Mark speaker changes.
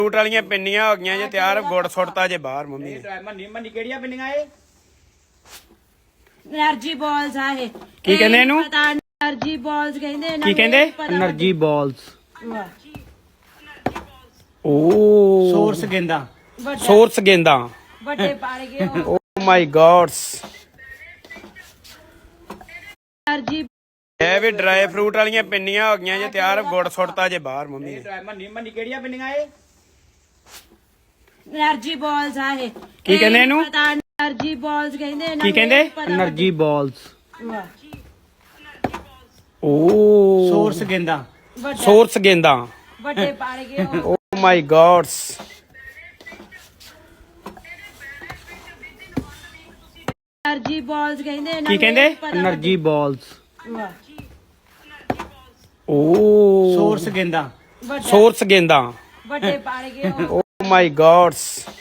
Speaker 1: fruit ਵਾਲੀਆਂ ਪਿੰਨੀਆਂ ਹੋ ਗਈਆਂ ਜੇ ਤਿਆਰ ਗੁੜ ਸੁੱਟਤਾ ਜੇ ਬਾਹਰ ਮੰਮੀ ਨੇ
Speaker 2: ਮੰਨੀ ਕਿਹੜੀਆਂ ਪਿੰਨੀਆਂ ਏ
Speaker 3: એનર્ਜੀ ਬਾਲਸ ਆ ਇਹ
Speaker 1: ਕੀ ਕਹਿੰਦੇ ਇਹਨੂੰ
Speaker 3: ਪਤਾ એનર્ਜੀ ਬਾਲਸ ਕਹਿੰਦੇ ਇਹਨਾਂ
Speaker 1: ਕੀ
Speaker 3: ਨੂੰ
Speaker 1: ਕਹਿੰਦੇ
Speaker 2: એનર્ਜੀ ਬਾਲਸ
Speaker 1: ਓ
Speaker 2: ਸੋਰਸ ਗੇਂਦਾ
Speaker 1: ਸੋਰਸ ਗੇਂਦਾ
Speaker 3: ਵੱਡੇ ਪੜ ਗਏ
Speaker 1: ਓ ਮਾਈ ਗॉड्स
Speaker 3: એનર્ਜੀ
Speaker 1: ਇਹ ਵੀ ਡਰਾਈ ਫਰੂਟ ਵਾਲੀਆਂ ਪਿੰਨੀਆਂ ਹੋ ਗਈਆਂ ਜੇ ਤਿਆਰ ਗੁੜ ਸੁੱਟਤਾ ਜੇ ਬਾਹਰ ਮੰਮੀ ਨੇ
Speaker 2: ਮੰਨੀ ਕਿਹੜੀਆਂ ਪਿੰਨੀਆਂ ਏ
Speaker 3: એનર્ਜੀ ਬਾਲਸ ਆ ਇਹ
Speaker 1: ਕੀ ਕਹਿੰਦੇ ਇਹਨੂੰ
Speaker 3: ਪਤਾ એનર્ਜੀ ਬਾਲਸ ਕਹਿੰਦੇ ਇਹਨਾਂ
Speaker 1: ਕੀ
Speaker 3: ਨੂੰ
Speaker 1: ਕਹਿੰਦੇ
Speaker 2: એનર્ਜੀ ਬਾਲਸ
Speaker 1: ਓ
Speaker 2: ਸੋਰਸ ਗੇਂਦਾ
Speaker 1: ਸੋਰਸ ਗੇਂਦਾ
Speaker 3: ਵੱਡੇ ਪੜ ਗਏ
Speaker 1: oh my gods
Speaker 3: energy balls ਕਹਿੰਦੇ ਇਹਨਾਂ
Speaker 1: ਕੀ ਕਹਿੰਦੇ
Speaker 2: એનર્ਜੀ ਬਾਲਸ
Speaker 1: ਓ
Speaker 2: ਸੋਰਸ ਗੇਂਦਾ
Speaker 1: ਸੋਰਸ ਗੇਂਦਾ
Speaker 3: ਵੱਡੇ ਪੜ ਗਏ
Speaker 1: ਓ ਮਾਈ ਗॉड्स